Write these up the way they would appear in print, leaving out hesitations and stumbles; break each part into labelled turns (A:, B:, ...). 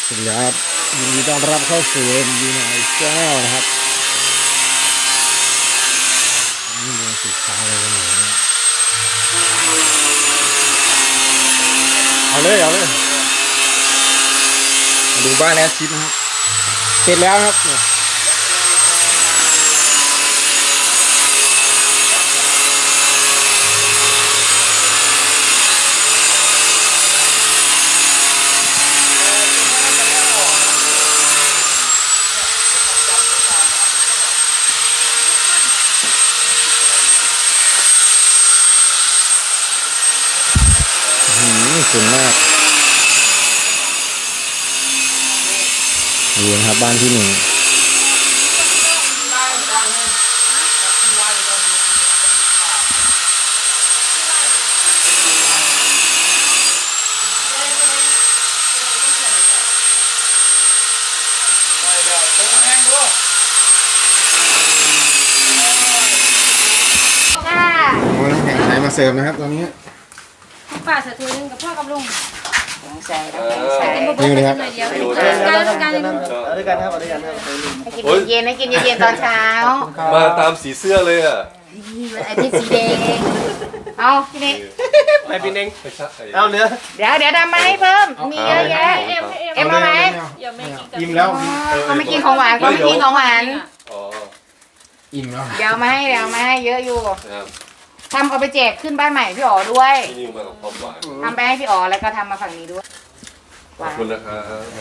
A: สวัสดีครับยินดีต้อนรับเข้าสู่ดีนายแก้วนะครับนี่เป็นสินค้าอะไรกันหนูเอาเลยมาดูบ้านแอดชิดนะครับเสร็จแล้วครับเนี่ยสูงมากดูนะครับบ้านที่หนึ่งโอ้น้ำแข็งใสมาเสิร์ฟนะครับตอนนี้
B: ป้าใส่ถ้วยนึงกับพ่อกับลุง
C: ใส่
A: นี่เลยครับ
B: การ
C: เอาด้วยกันครับให้กินเย็นๆตอนเช้า
D: มาตามสีเสื้อเลยอ่ะ
C: ไอ้ที่สีแดงเอาพี่เน่ง
D: ไปพี่เน่ง
C: เอาเนื้อเดี๋ยวทำมาให้เพิ่มมีเยอะแยะเอ็มเอาไหม
A: อิ่มแล้ว
C: เขาไม่กินของหวานเขาไม่กินของหวาน
A: อิ่มแล้ว
C: เดี๋ยวมาให้เยอะอยู่ทำเอาไปแจกขึ้นบ้านใหม่พี่อ๋อด้วยทำไปให้พี่อ๋อแล้วก็ทำมาฝั่งนี้ด้วย
D: ขอบคุณนะครับ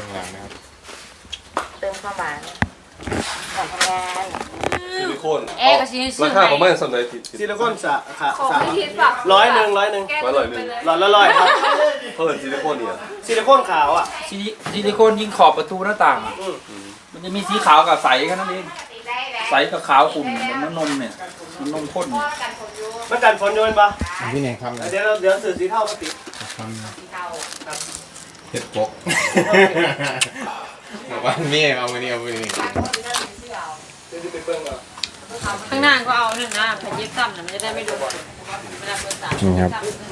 C: เติมความหวานก่อนทำงาน
D: ซิลิโคนราคาประมาณสำหรับ
E: ซิลิโคนสะร้อยหนึ่งหลอดละ100ครับ
D: เพิ่มซิลิโคนเนี่ย
E: ซิลิโคนขาวอ่ะ
F: ซิลิโคนยิงขอบประตูหน้าต่างมันจะมีสีขาวกับใสแค่นั้นเองใสกับขาวขุ่นเหมือนน้ำนมเนี่ยน้ำนมข้น
E: มันกันฝนโยนปะ
A: พี่ไหนครับ
E: เดี๋ยวสื่อสีเท่ามาติด
A: เห็ดปกบ้านเมียเอาไปนี่
B: ข้างหน้าก็เอาหนึ่งนะพยิบซ้ำนะมันจะได้ไม่โดน
A: นี่ครับ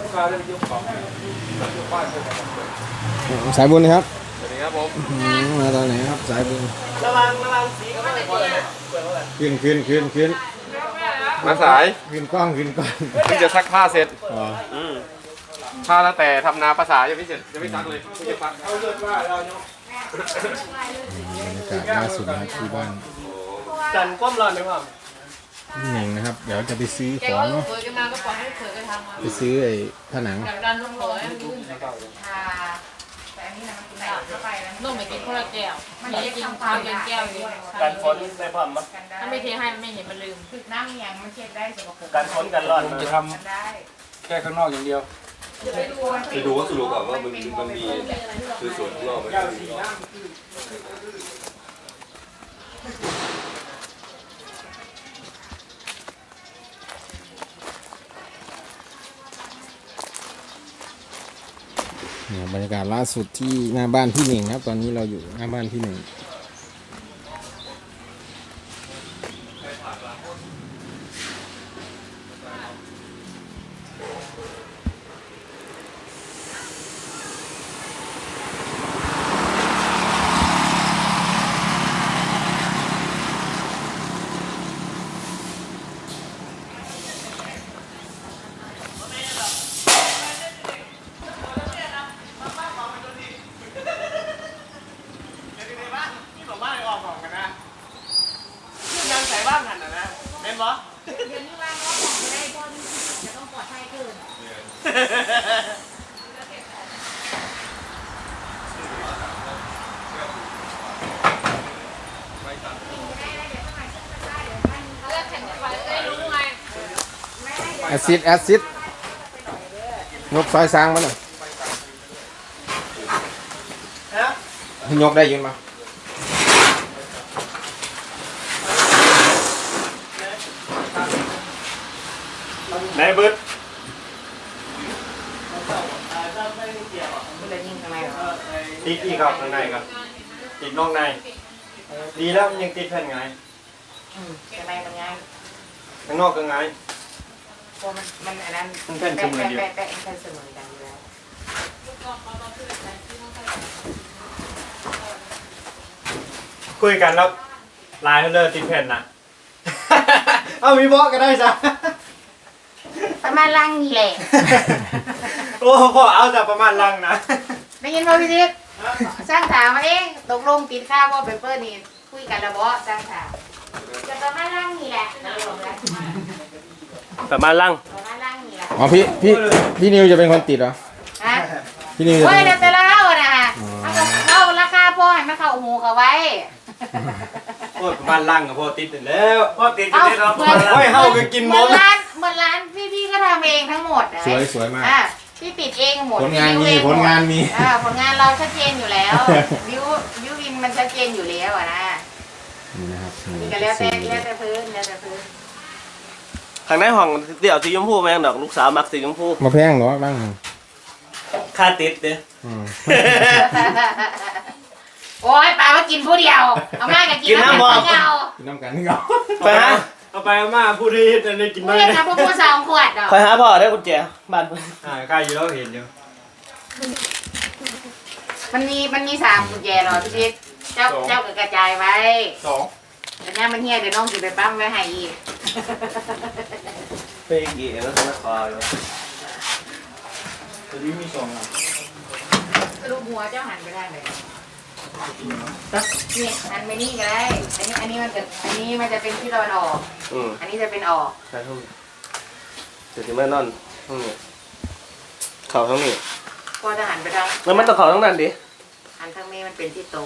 A: สายบุญครับ
D: สวัสดีครับผม
A: มาตอนไหนครับสายบุญ
E: ระวังสีก็ไม่ได้
A: ขึ้น
D: มาสาย
A: ขึ้นกล้อง
D: ที่จะซักผ้าเสร็จผ้าแล้วแต่ทำนาภาษายังไม่เสร็จยังไม่ซักเลยไม่จะซัก
A: บรรยากาศล่าสุดนะครับที่บ้าน
E: กันก้มร้อนไหมพ่อ
A: นี่เองนะครับเดี๋ยวจะไปซื้อของเนาะไปซื้อไอ้ผนัง
B: นุ่มไปกินคนละแก้วมันจะกินข้าวแก้วอยู่
E: กันฝนในพร้อมมั้ย
B: ถ้าไม่เทให้มันไม่เห็นมันลืม
C: คือน้ำอย่างมันเช็ดได้สกปรก
E: กันฝนกันร้อน
F: จะทำแค่ข้างนอกอย่างเดียว
D: ไปดูว่าสรุปก่อนว่ามันมีคือส่วนข้างนอกไหม
A: เนี่ยบรรยากาศล่าสุดที่หน้าบ้านพี่หนึ่งครับตอนนี้เราอยู่หน้าบ้านพี่หนึ่งแอซิดยกซอยซางมาหน่อยยกได้ยินมั้ย
E: ไหนเบิร์ดอีกครับข้างในครับอีกนอกในดีแล้วยังติดแผ่นไง
C: ข้างในมันง่าย
E: ข้างนอกก็ไง
C: มันอันนั้น
E: มันเป็นเสมือนเดียว
C: แปะเป็นเสมือนกันอยู่แล้ว
E: คุยกันแล้วลายเลิศติดแผ่นนะ เอามีบล็อกก็ได้จ้ะ
C: ประมาณลังนี่แหละ
E: โอ้พอเอาจากประมาณลังนะ
C: ได้ยินบ่พี่ทิพย์สร้างถามมาเองตกลงติดค่าว่าเปเปอร์นี่คุยกันแล้วบ่สร้างถามจะประมาณลังนี่แหละ
E: ประมาณลัง
C: ประมาณลังนี่แหละ
A: อ๋อพี่นิวจะเป็นคนติดเหรอ
C: ฮะ
A: พี่นิวจะ
C: โอ้
A: เป็
C: ย
A: น
C: เดี๋ยวแต่ละเล่านะฮะเอาเข้าราคาพอให้มันเข้าหูเขาไว้
E: โอ้ประมาณลังกับพอติดแล้วพอติด
C: เอา
E: เรา
C: เหมือน
E: โอ้ยเฮาก็กิน
C: เห
E: หม
C: มือน
E: ด
C: ร้านพี่ก็ทำเองทั้งหมดนะ
A: สวยมาก
C: อ่ะพี่ติดเองหมด
A: ผลงาน
C: พี่
A: มี
C: วิวเอ
A: ผลงานมี
C: ผลงานเราชัดเจนอยู่แล้ววิววินมันชัดเจนอยู่แล้วอะนะ
A: นี่นะครับ
C: นี่ก็แล้วแต่พื้นแล้วแต่พื้น
G: ข้างในห้องเดี๋ยวสีชมพูแม่งดอกลูกสาวมักสีชมพู
A: มาแพงเหรอบ้าง
G: ค่าติดเด้อ
A: อืม
C: โอ้ยปลาว่ากินผู้เดียวเอามากกับกินน้ำมันเงา
A: กินน้ำกันนี่เหรอ
G: ไปหา
E: เอาไปเอามาพูดที่ได้กิน
C: ผู้
E: บ้าง
C: เดียวนะพวก2 ขวดดอก
G: คอยหาพ่อได้กุญแจบ้านเพิ่น
E: ใกล้อยู่แล้วเห็นอยู่
C: มันมี3 กุญแจรอพี่ชิดเจ้าก็กระจายไว้
E: 2
C: แต่เนี่ยมันเฮียเดี๋ยวน้องสิไปปั๊มไว้ให้อีก
G: ไปกี่แล้วนะคอย
F: ตัวนี้มี2อ่ะ
C: สรุปหัวเจ้าหันไปทางไหนนี่หันไปนี่ก็ได้อันนี้มันจะเป็นที่ตะวันออก อันนี้จะเป็นออก
G: ใช่ห้องเดี๋ยวจะไม่นอนห้องนี้เข่าทั้งนี้
C: ก็จะหันไปทาง
G: แล้วมันต้องเข่าทั้งนั้นดิ
C: หันทางนี้มันเป็นที่โต๊ะ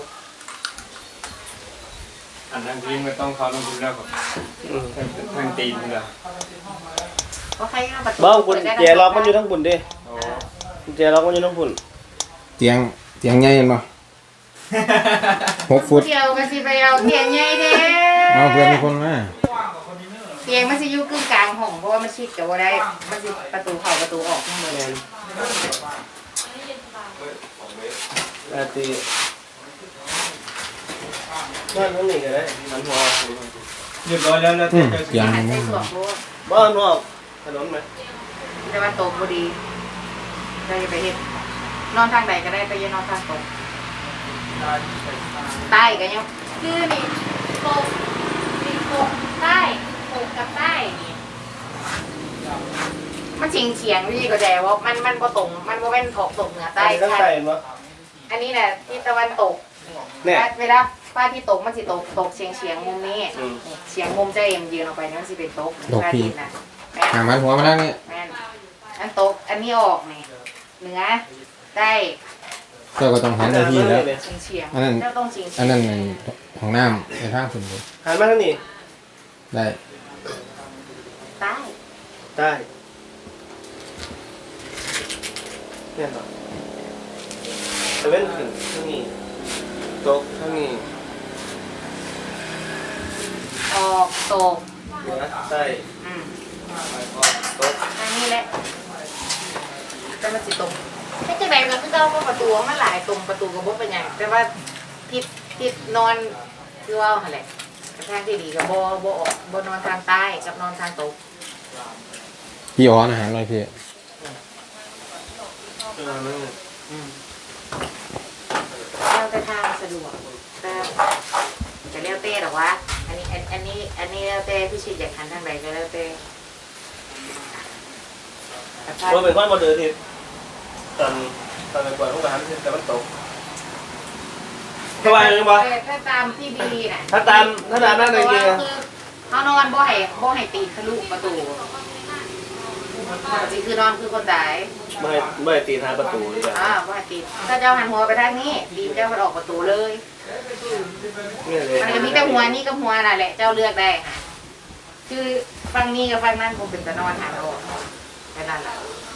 E: อันนั้นทิ้งไม่ต้องเขาต้องดูแล้วกับทางตีนเลย
C: เพราะใครก็ประตู
G: บ้ากุญแจล็อกมันอยู่ทั้งบุญดิกุญแจล็อกมันอยู่ทั้งบุญ
A: เตียงใหญ่เห็นป่ะ6 ฟุต
C: เดียวก็สิไปเอาเตียงใหญ่เด้
A: เอาเพื่อนมีคนมา
C: เตียงมันสิอยู่กึ่งกลางห้องเพราะว่ามันชิดกับว่าได้มันสิประตูเข้าประตูออกทั้งหมดเลย
G: ตีบ้านทั้งนี้ก็ได้มันหัว
E: เรียบร้อยแล้วแล้ว
A: เตียง
C: หันใส่ส่วนโบ
G: บ้านหัวถนนไหม
C: แต่ว่าโต๊ะพอดีได้ไปเฮ็ดนอนทางใดก็ได้แต่อย่านอนทางตรงใต้ก็ยังคือนี่โต๊ะใต้โต๊ะกับใต้นี่มันเฉียงพี่ก็แต่ว่ามันบ่ตรงมันบ่เป็นถกตกเหนือใต้
G: ทั้งใต้มั้ง
C: อันนี้น่ะที่ตะวันตก
G: เนี่ย
C: เวลาป้าที่ตกมันสิตกเฉียงมุมนี้เฉียงมุมเจะเอ็มยืนออกไปนี่มันสิเป็นตกพระอาทิตย์นะแม่
A: หามันหัวมาแล้วนี่
C: แม่นอันตกอันนี้ออกนี่เหนือใต้
A: เจ้าก็ต้องหันไปที่แล้ว
C: เฉียง
A: อันนั้น
C: เจ้าต้องเฉียง
A: อันนั้นในของน้ำในทางสุดเลย
G: หันมาทางนี้
A: ได้
C: ใต้
G: ใต้เนี่ยต่อตะเว้นขึ้นทางนี้ตกทางนี้
C: ออกตก
G: เหนือใต้
C: อืม
G: ตก
C: อันนี้แหละแต่มันสิตกไม่ใช่แบบนั้นคือเราก็ประตูมันหลายตรงประตูกระบอกเป็นอย่างแต่ว่าทิศนอนคือว่าอะไรทางที่ดีกับบ่นอนทางใต้กับนอนทางตก
A: พี่อ๋ออาหารอะไรพี่
C: แล้วแต่ทางสะดวกแต่จะเลี้ยวเต้หรอวะอันนี้แล้วแต่พี่ชิดอยากหันทางไหนก็แล้วแต่
G: เราเป็นคนมาเดินทีตอนไปกวาดห้องน้ำแต่มันตกสบายเลยปะ
C: ถ้าตามที่บีน่ะ
G: ถ้าตามนั่นเลยจริง
C: คือเขานอนบ่ให้ตีทะลุประตูจริงคือนอนคือคนตาย
G: ไม่ตีทางประตูเลยจ้ะ
C: บ่ให้ตีถ้าเจ้าหันหัวไปทางนี้ดีเจ้ามันออกประตูเลย
G: เนี่ยเลย
C: มันจะมีแต่หัวนี่กับหัวน่ะแหละเจ้าเลือกได้ค่ะคือฟังนี้กับฟังนั้นคงเป็นตะนอนหาเราแค่นั้นแหละ